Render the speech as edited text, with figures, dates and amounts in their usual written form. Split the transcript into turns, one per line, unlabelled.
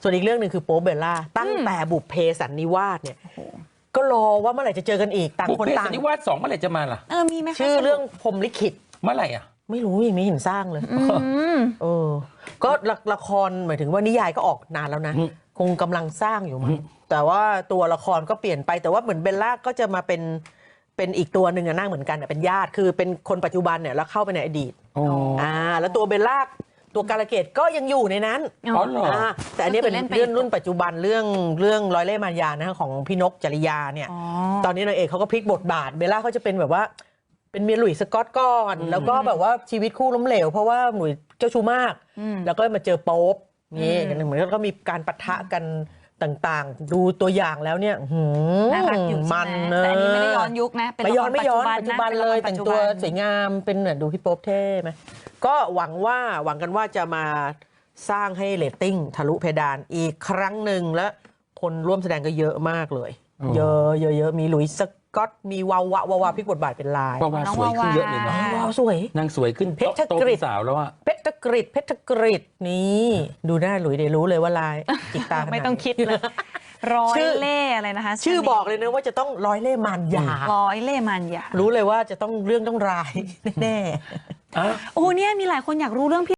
ส่วนอีกเรื่องหนึ่งคือโป๊ปเบลล่าตั้งแต่บุพเพสันนิวาสเนี่ยก็รอว่าเมื่อไหร่จะเจอกันอีกต่างคนต่าง
บุพเพสันนิวาส2เมื่อไหร่จะมาล่ะ
มีไหมคะ
ชื่อเรื่องพรหมลิขิต
เมื่อไหร่อ่ะ
ไม่รู้ยังไม่เห็นสร้างเลยก็ละครหมายถึงว่านิยายก็ออกนานแล้วนะคงกำลังสร้างอยู่มั้งแต่ว่าตัวละครก็เปลี่ยนไปแต่ว่าเหมือนเบลล่าก็จะมาเป็นอีกตัวหนึ่งนั่งเหมือนกันเป็นญาติคือเป็นคนปัจจุบันเนี่ยแล้วเข้าไปในอดีตแล้วตัวเบลล่าตัวกาลเกตก็ยังอยู่ในนั้นแต่อันนี้เป็นเรื่องรุ่นปัจจุบันเรื่องร้อยเล่ห์มารยานะของพี่นกจริยาเนี่ยตอนนี้นางเอกเขาก็พลิกบทบาทเบลล่าเขาจะเป็นแบบว่าเป็นเมียหลุยส์สกอตก่อนแล้วก็แบบว่าชีวิตคู่ล้มเหลวเพราะว่าหลุยส์เจ้าชู้มากแล้วก็มาเจอโป๊ปนี่เหมือนก็มีการปะทะกันต่างๆดูตัวอย่างแล้วเนี่ย
มันแต่อันนี้ไม่ได้ย้อนยุคนะ
ไม่ย้อนปัจจุบันเลยแต่งตัวสวยงามเป็นเหมือนดูพี่โป๊ปเท่ไหมก็หวังกันว่าจะมาสร้างให้เรตติ้งทะลุเพดานอีกครั้งหนึ่งและคนร่วมแสดงก็เยอะมากเลยเยอะมีหลุยส์สกอตมีวาวาพลิกบทบาทเป็นลายว
าวาสวยขึ้นเยอะเลยนะ
วาวสวย
นางสวยขึ้นโตเป็นสาวแล้วอะ
เพชรกฤษนี่ดูหน้าหลุยเดี๋ยวรู้เลยว่าลายจิกตา
ไม่ต้องคิดเลยร้อยเล่อะไรนะคะ
ชื่อบอกเลยนะว่าจะต้องร้อยเล่มารยา
ร้อยเล่มารยา
รู้เลยว่าจะต้องเรื่องต้องร้ายแน่
โอ้เนี่ยมีหลายคนอยากรู้เรื่อง